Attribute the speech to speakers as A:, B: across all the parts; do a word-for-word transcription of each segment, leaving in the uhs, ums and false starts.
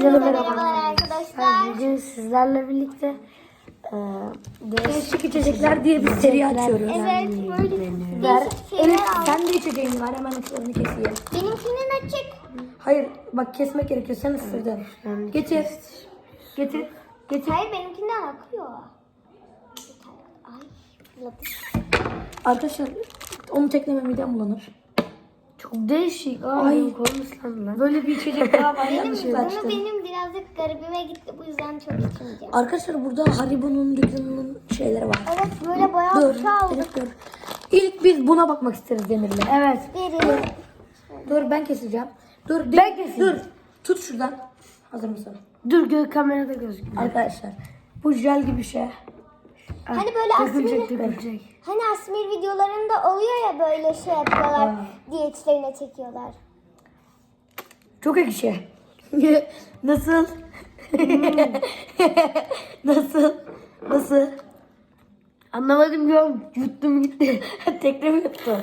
A: Hepinize de merhaba.
B: merhabalar arkadaşlar.
A: Bugün sizlerle birlikte e,
C: Değişik içecekler diye bir seri açıyoruz.
B: Evet, böyle
C: Ver.
B: değişik şeyler
C: Elif
B: aldım.
C: sen de içeceğin var, hemen ısırını keseyim.
B: Benimkinin açık.
C: Hayır bak kesmek gerekiyor, sen ısırdın. Getir. Getir. Getir.
B: Hayır, benimkinden akıyor. Ay, fırladı.
C: Arkadaşlar onu tekleme midem bulanır.
A: çok değişik. Aa,
C: Ay.
A: benim kolum ıslandı lan.
C: Böyle bir içecek daha var,
B: Benim,
C: yanlışlıkla
B: bunu
C: açtım.
B: benim birazcık garibime gitti. Bu yüzden çok içmeyeceğim.
C: Arkadaşlar burada Haribo'nun dükkanının şeyleri var.
B: Evet, böyle bayağı
C: Dur.
B: bir şey aldık.
C: Elif dur. İlk biz buna bakmak isteriz Demir'le.
A: Evet.
B: Derin.
C: Dur ben keseceğim. Dur.
A: Ben
C: Ben
A: keseyim.
C: Dur. Tut şuradan. Hazır mısın?
A: Dur gö kamerada gözüküyor.
C: Arkadaşlar bu jel gibi şey.
B: Hani böyle
A: Dökülecek
B: Asmir,
A: dökülecek.
B: hani Asmir videolarında oluyor ya, böyle şey yapıyorlar. Diyetlerine çekiyorlar.
C: Çok ekşi. Nasıl? Nasıl? Nasıl?
A: Anlamadım ya. Yuttum gitti.
C: Tekne mi yuttu?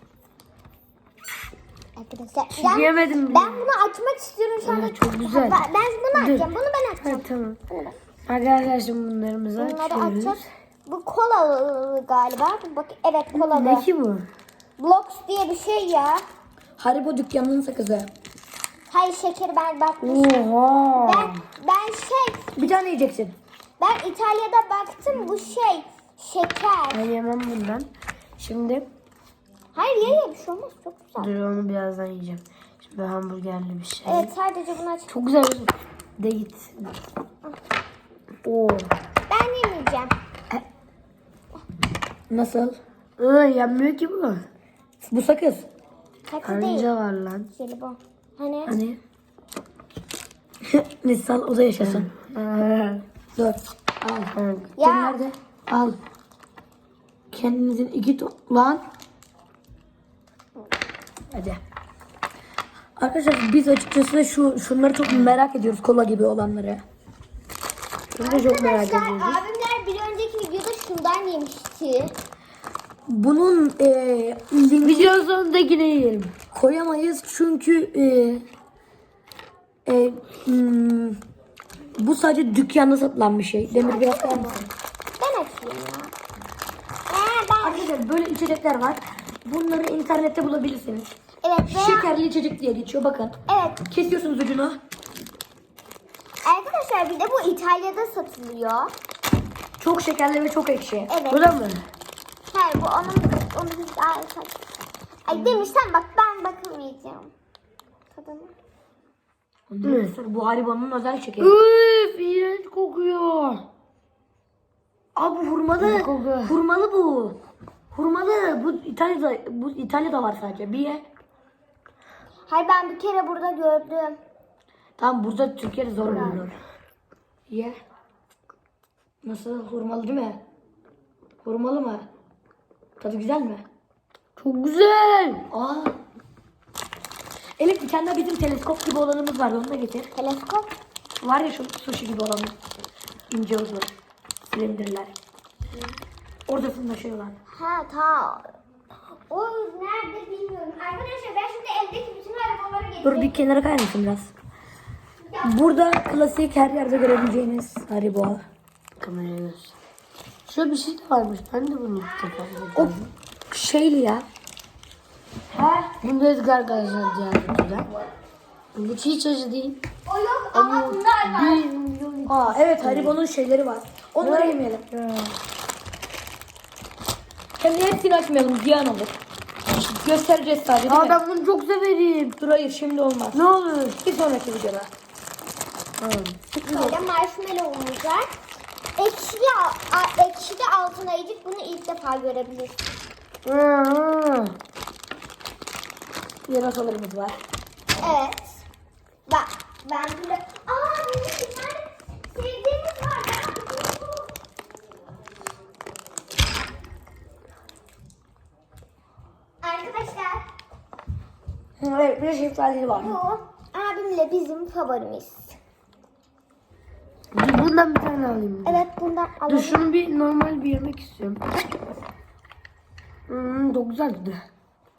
B: Arkadaşlar
A: Şey
B: ben,
A: diyemedim bile.
B: ben bunu açmak istiyorum şu anda.
A: Evet, çok güzel.
B: Ben, ben bunu açacağım. Bunu ben açacağım.
A: Ha, tamam.
B: Bunu ben.
A: Arkadaşlar şimdi bunlarımızı
B: Bunları
A: açıyoruz.
B: açacağız. Bu kolalı galiba. Bak, evet, kolalı.
A: Ne ki bu?
B: Blox diye bir şey ya.
C: Haribo dükkanının sakızı.
B: Hayır, şekeri ben baktım.
A: Oha.
B: Ben, ben şey,
C: Bir tane yiyeceksin.
B: ben İtalya'da baktım, bu şey şeker.
A: Ben yemem bundan. Şimdi
B: Hayır, ye ye, bir şey olmaz, çok güzel.
A: dur onu birazdan yiyeceğim. Şimdi hamburgerli bir şey.
B: Evet, sadece bunu aç.
A: Çok güzel. De git. Oo.
B: Ben yemeyeceğim.
C: Nasıl?
A: Iı, yenmiyor ki bu.
C: Bu sakız.
B: Katı değil.
A: Karınca var lan.
B: Jelibon. Hani?
C: Hani? Nisal o da yaşasın.
A: Aa.
C: Dur. Al.
A: Evet.
B: Ya.
C: Dur, nerede? Al. Kendinizin iki to- lan. Hadi. Arkadaşlar biz açıkçası şu şunları çok merak ediyoruz, kola gibi olanları.
A: Bunu da çok merak
B: Arkadaşlar,
A: ediyoruz.
B: abimler bir önceki videoda şundan yemişti.
C: Bunun eee linki
A: Video sonundakini yiyelim.
C: koyamayız çünkü eee eee, hmm, bu sadece dükkanda satılan bir şey. Demir biraz koyar mısın?
B: Ben açayım ya. Ee, ben...
C: Arkadaşlar böyle içecekler var. Bunları internette bulabilirsiniz.
B: Evet, veya...
C: Şekerli içecek diye geçiyor, bakın.
B: Evet.
C: Kesiyorsunuz ucunu.
B: Arkadaşlar bir de bu İtalya'da satılıyor.
C: Çok şekerli ve çok ekşi.
B: Evet.
A: Bu da mı?
B: Hayır, bu onun... onun Ay, Ay demişsen bak, ben bakamayacağım. Tadına.
C: Arkadaşlar bu Haribo'nun özel şekeri.
A: Üf, iğrenç kokuyor.
C: Abi hurmalı.
A: Koku.
C: Hurmalı bu. Hurmalı. Bu İtalya'da bu İtalya'da var sadece. Bir ye.
B: Hayır, ben bir kere burada gördüm.
C: Tamam, burada Türkiye'de zor bulunur. Ye. Nasıl, hurmalı değil mi? Hurmalı mı? Tadı güzel mi?
A: Çok güzel.
C: Aa. Elif, bir tane daha bizim teleskop gibi olanımız vardı, onu da getir.
B: Teleskop.
C: Var ya şu sushi gibi olan ince uzun silindirler. Orada fırlaşıyorlar.
B: Ha, ta. O nerede bilmiyorum. Arkadaşlar ben şimdi evdeki bütün arabaları getirdim.
C: Dur, bir kenara kayar mısın biraz? Burada klasik her yerde görebileceğiniz Haribo.
A: Kameraya göster. Şöyle bir şey de varmış. Ben de bunu ilk defa
C: O
A: gördüm.
C: şeyli ya.
B: Ha?
A: Bunu da Edgar arkadaşlar diğer videoda. Bu hiç acı değil.
B: O yok ama bunlar var.
A: Bir milyon.
C: Aa evet, Haribo'nun şeyleri var. Onları yemeyelim. Hem de hepsini açmayalım, ziyan olur. Göstereceğiz sadece, değil
A: Aa,
C: mi?
A: ben bunu çok severim.
C: Dur hayır, şimdi olmaz.
A: Ne olur.
C: Bir sonraki videoda.
A: Tamam.
B: Böyle marshmallow'umuz var. Ekşi de, a- ekşi de altına yiyecek. Bunu ilk defa görebilirsin.
A: Aa.
C: Yarasalarımız var.
B: Evet. Bak ben böyle... Aa, bizim bir tane sevdiğimiz var. Ben bunu- Arkadaşlar,
C: Evet, bir de şeftalili var.
B: bu abimle bizim favorimiz.
A: Dur, bundan bir tane alayım.
B: Evet, bundan
A: Dur
B: alalım.
A: şunu bir normal bir yemek istiyorum. Hmm, çok güzeldi.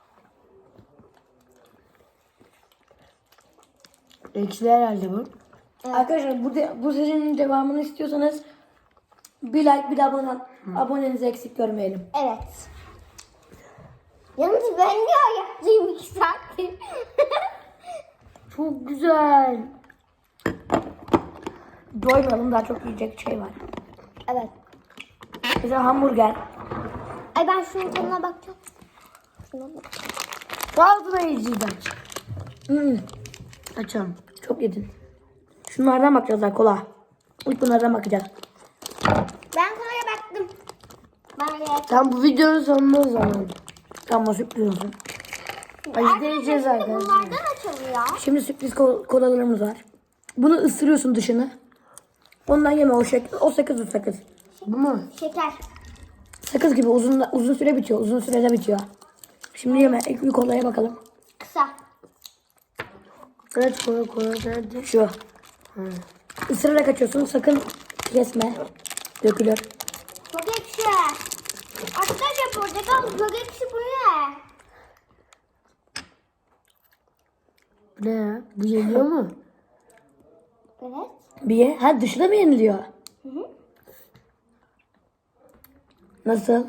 A: Ekşi herhalde bu.
C: Arkadaşlar bu, de, bu serinin devamını istiyorsanız bir like bir de abone, abonenizi eksik görmeyelim.
B: Evet. Yalnız ben niye ayaktayım iki saattir?
C: Çok güzel. Doymayalım, daha çok yiyecek şey var.
B: Evet.
C: Mesela hamburger.
B: Ay ben şunun tadına bakacağım. Şuna bak.
C: Ağzına yiyeceğiz aç. Hmm. Açalım. Çok yedin. Şunlardan bakacağız daha kola. İlk bunlardan bakacağız.
B: Ben kolaya baktım. Bana gerek.
C: Tam bu videonun sonunda o zaman. Tamam, sürpriz olsun. Acı deneyeceğiz
B: Şimdi
C: arkadaşlar.
B: bunlardan açılıyor.
C: Şimdi sürpriz kol- kolalarımız var. Bunu ısırıyorsun dışını. Ondan yeme, o şek o sakız o sakız. Bu mu?
B: Şeker.
C: Sakız gibi uzun uzun süre bitiyor. Uzun sürede bitiyor. Şimdi yeme. İlk bir kolaya bakalım.
B: Kısa.
C: Evet, kola kola nerede? Şu. Hı. Isırarak açıyorsun. Sakın kesme. Dökülür.
B: Çok ekşi. Arkadaşlar portakal çok ekşi, bu ne?
C: Ne ya? Bu yeniyor mu?
B: Evet.
C: Bir ye. Ha, dışına mı yeniliyor?
B: Hı hı.
C: Nasıl?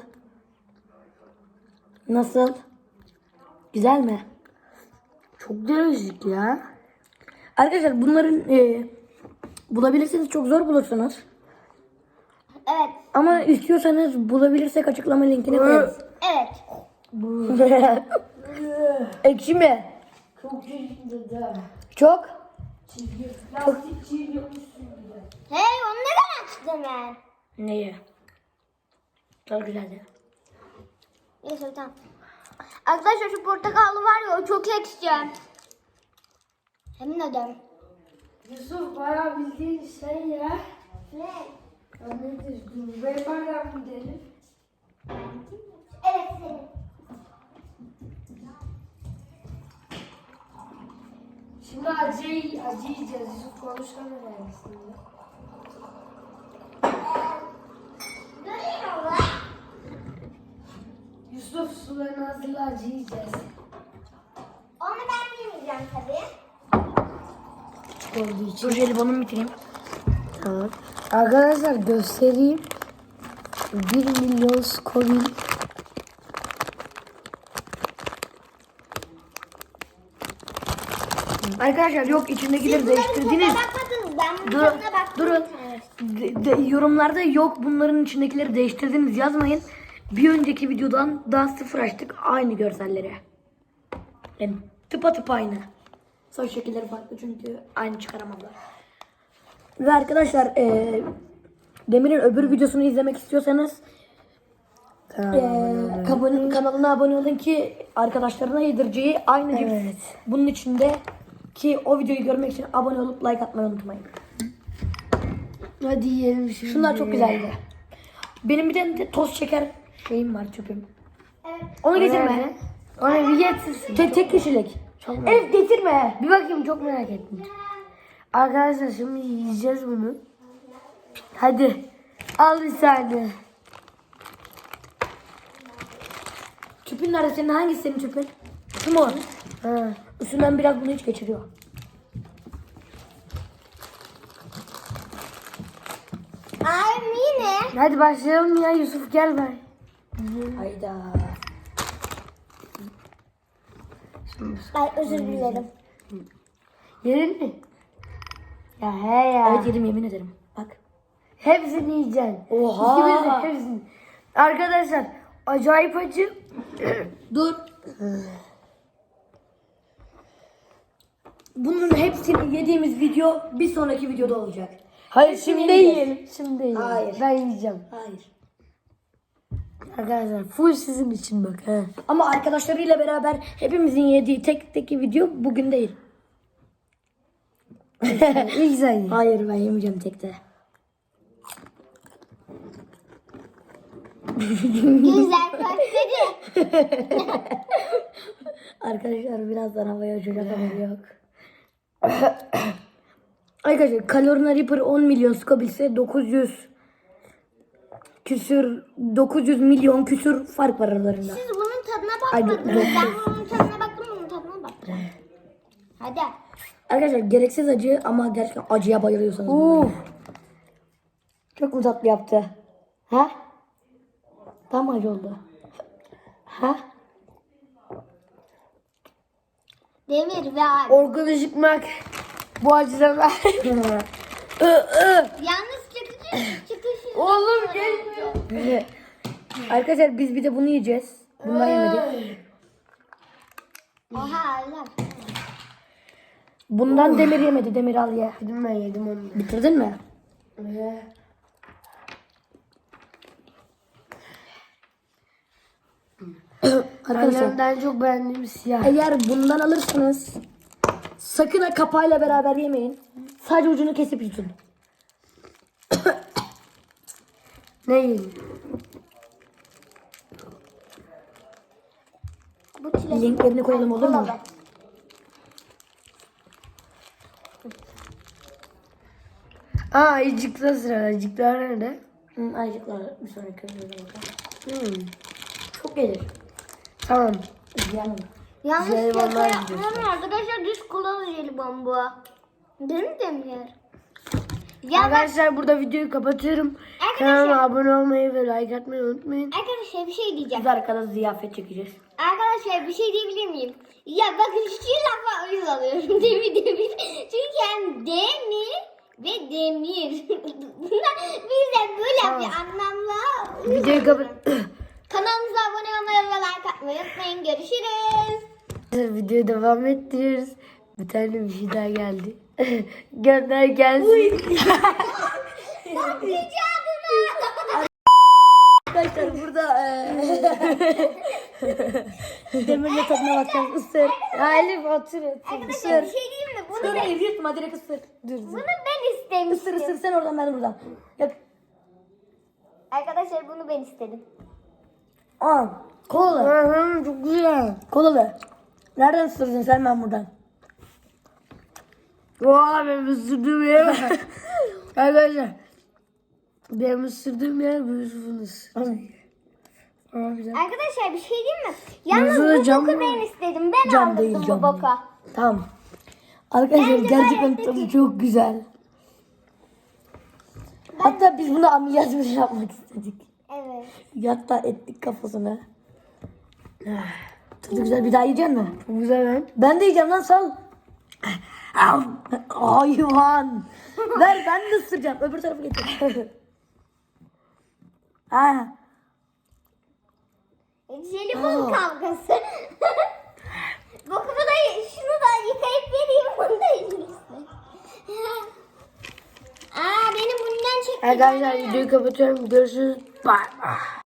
C: Nasıl? Güzel mi? Çok değişik ya. Arkadaşlar bunların e, bulabilirsiniz, çok zor bulursunuz.
B: Evet.
C: Ama istiyorsanız bulabilirsek açıklama linkine koyarız.
B: Evet.
C: Ekşi mi?
A: Çok çeşitli de.
C: Çok.
A: Lastik çiğniyormuşsun gibi.
B: Hey, onu neden açtın ben?
C: Neyi? Çok güzeldi.
B: Neyse tamam. Arkadaşlar şu portakallı var ya, o çok ekşi. Yemin ederim.
A: Yusuf bayağı bildiğin şey ya.
B: Ne?
A: Ya nedir? Dur, ben bayağı gidelim.
B: Evet senin.
A: Şimdi acı, acı yiyeceğiz. Yusuf konuşamıyor aslında.
B: Görüyor musun?
A: Yusuf sularını hazırla, acı yiyeceğiz.
B: Onu ben yemeyeceğim tabii.
A: Olduğu için.
C: Dur jelibonu bitireyim.
A: Tamam. Arkadaşlar göstereyim. bir milyon Scoville.
C: Arkadaşlar yok, içindekileri
B: Bunların
C: değiştirdiniz.
B: tadına bakmadınız. Ben bunun
C: Dur,
B: tadına baktım.
C: durun. De- de- yorumlarda yok bunların içindekileri değiştirdiniz yazmayın. Bir önceki videodan daha sıfır açtık aynı görselleri. Yani tıpatıp aynı. Saç şekilleri farklı çünkü aynı çıkaramadılar. Ve arkadaşlar e, Demir'in öbür videosunu izlemek istiyorsanız e, kabone- kanalına abone olun ki arkadaşlarına yedireceği aynı cips.
A: Evet.
C: Bunun içinde ki o videoyu görmek için abone olup like atmayı unutmayın.
A: Hadi yiyelim şimdi.
C: Şunlar çok güzeldi. Benim bir tane de toz şeker şeyim var, çöpüm.
B: Evet.
C: Onu getirme.
A: Nerede? Ona bir getirsin.
C: Tek, tek kişilik.
A: Çok merak
C: Evet, getirme.
A: Bir bakayım, çok merak ettim. Arkadaşlar şimdi yiyeceğiz bunu. Hadi. Al bir saniye.
C: Çöpün nerede senin? Hangisi senin çöpün? Şu mu?
A: Ha.
C: Üstünden biraz bunu hiç geçiriyor.
B: Ay yine.
A: Hadi başlayalım ya, Yusuf gel ben.
C: Hayda.
B: Ay özür dilerim.
A: Yedin mi? Ya he ya.
C: Evet, yedim, yemin ederim. Bak.
A: Hepsini yiyeceksin.
C: Oha.
A: İkimiz de hepsini. Arkadaşlar acayip acı.
C: Dur. Bunun hepsini yediğimiz video bir sonraki videoda olacak.
A: Hayır
C: Hepsini
A: şimdi
C: yiyeceğiz.
A: yiyelim. Şimdi yiyelim.
C: Hayır.
A: Ben yiyeceğim.
C: Hayır.
A: Arkadaşlar full sizin için bak. He.
C: Ama arkadaşlarıyla beraber hepimizin yediği tek tek video bugün değil.
A: İlk sen ye.
C: Hayır, ben yemeyeceğim tekte.
B: Güzel köfteci.
C: Arkadaşlar birazdan havaya uçacak, haberi yok. Arkadaşlar Carolina Reaper on milyon Scoville dokuz yüz küsür dokuz yüz milyon küsür fark var aralarında.
B: Siz bunun tadına
C: Ay, dur,
B: bakmadınız.
C: dur.
B: Ben bunun tadına baktım, bunun tadına baktım. Hadi.
C: Arkadaşlar gereksiz acı ama gerçekten acıya bayılıyorsanız.
A: Uf.
C: Çok mu tatlı yaptı? Ha? Tam acı oldu. Ha?
B: Demir ve abi.
A: Orkun Işıkmak. Bu acıdan ver. Ö, ö.
B: Yalnız çıkıcı çıkışı.
A: Oğlum gelmiyor.
C: Arkadaşlar biz bir de bunu yiyeceğiz. Bundan yemedik.
B: Oha Allah.
C: Bundan Demir yemedi. Demir al ye.
A: Yedim ben yedim onu.
C: Bitirdin mi?
A: Ee,
C: Arkadaşlar
A: Annemden çok beğendiğim siyah.
C: eğer bundan alırsanız sakın ha kapağıyla beraber yemeyin. Sadece ucunu kesip yutun.
A: Ne yiyeyim?
B: Bu çilek.
C: Linklerini koyalım olur mu?
B: Kola ver.
A: Aa ayıcıkta sıra. Ayıcıklar nerede?
C: Hı, ayıcıklar bir sonraki videoda bakalım.
A: Hmm.
C: Çok gelir.
A: Tamam.
C: Yani.
B: Yalnız
A: Jelibonlar
B: şaka
A: gidiyorsun.
B: yapmam arkadaşlar, düz kulalı jelibon bu. Değil mi Demir? Ya bak
A: Arkadaşlar burada videoyu kapatıyorum.
B: Arkadaşlar-
A: Kanalıma abone olmayı ve like atmayı unutmayın.
B: arkadaşlar bir şey diyeceğim.
C: Biz arkada ziyafet çekeceğiz.
B: Arkadaşlar bir şey diyebilir miyim? Ya bakın şu lafa uyuz alıyorum demir demir. Çünkü yani demir ve demir. Bunlar bizden böyle bir anlamla.
A: Videoyu kapat.
B: Kanalımıza abone olmayı ve like atmayı unutmayın. Görüşürüz.
A: Videoyu devam ettiriyoruz. Bir tane bir şey daha geldi. Gönder gelsin.
C: Arkadaşlar burada eee Demir'le tadına bakacağız. Isır.
A: Ya Elif otur otur.
B: Arkadaşlar bir şey diyeyim mi? Bunu
C: Dur
B: ben,
C: hayır yutma direkt ısır.
A: Dur
B: bunu
A: dur.
B: ben
C: Isır
B: istemiştim.
C: ısır sen oradan ben buradan. Yak.
B: Arkadaşlar bunu ben istedim.
C: Aa, kolalı.
A: Hı, çok güzel.
C: Kolalı. Nereden ısırdın sen ben buradan?
A: Oha benim ısırdığım yere bak. Arkadaşlar. Benim ısırdığım yer bu Yusuf'un Aa, güzel.
B: Arkadaşlar bir şey diyeyim mi? Yalnız
A: Burada
B: bu
A: cam
B: boku
A: mı?
B: ben istedim. Ben
C: Cam
B: aldım
C: değil,
B: bu
C: cam
B: boka.
C: Tamam. Arkadaşlar
B: Bence
C: gerçekten
B: gayet
C: tadı
B: iyi.
C: çok güzel. Hatta biz bunu ameliyat bile yapmak istedik.
B: Evet.
C: Hatta ettik kafasına. Tadı güzel, bir daha yiyecek misin?
A: Çok güzel lan.
C: Ben de yiyeceğim lan, sal. Hayvan. Ver ben de ısıracağım. Öbür tarafa getir. ha.
B: Jelibon kavgası. Bokumu da şunu da yıkayıp vereyim. Bunu da yiyeceksin. Aa benim bundan çekti.
A: Arkadaşlar videoyu kapatıyorum. Görüşürüz. Bye.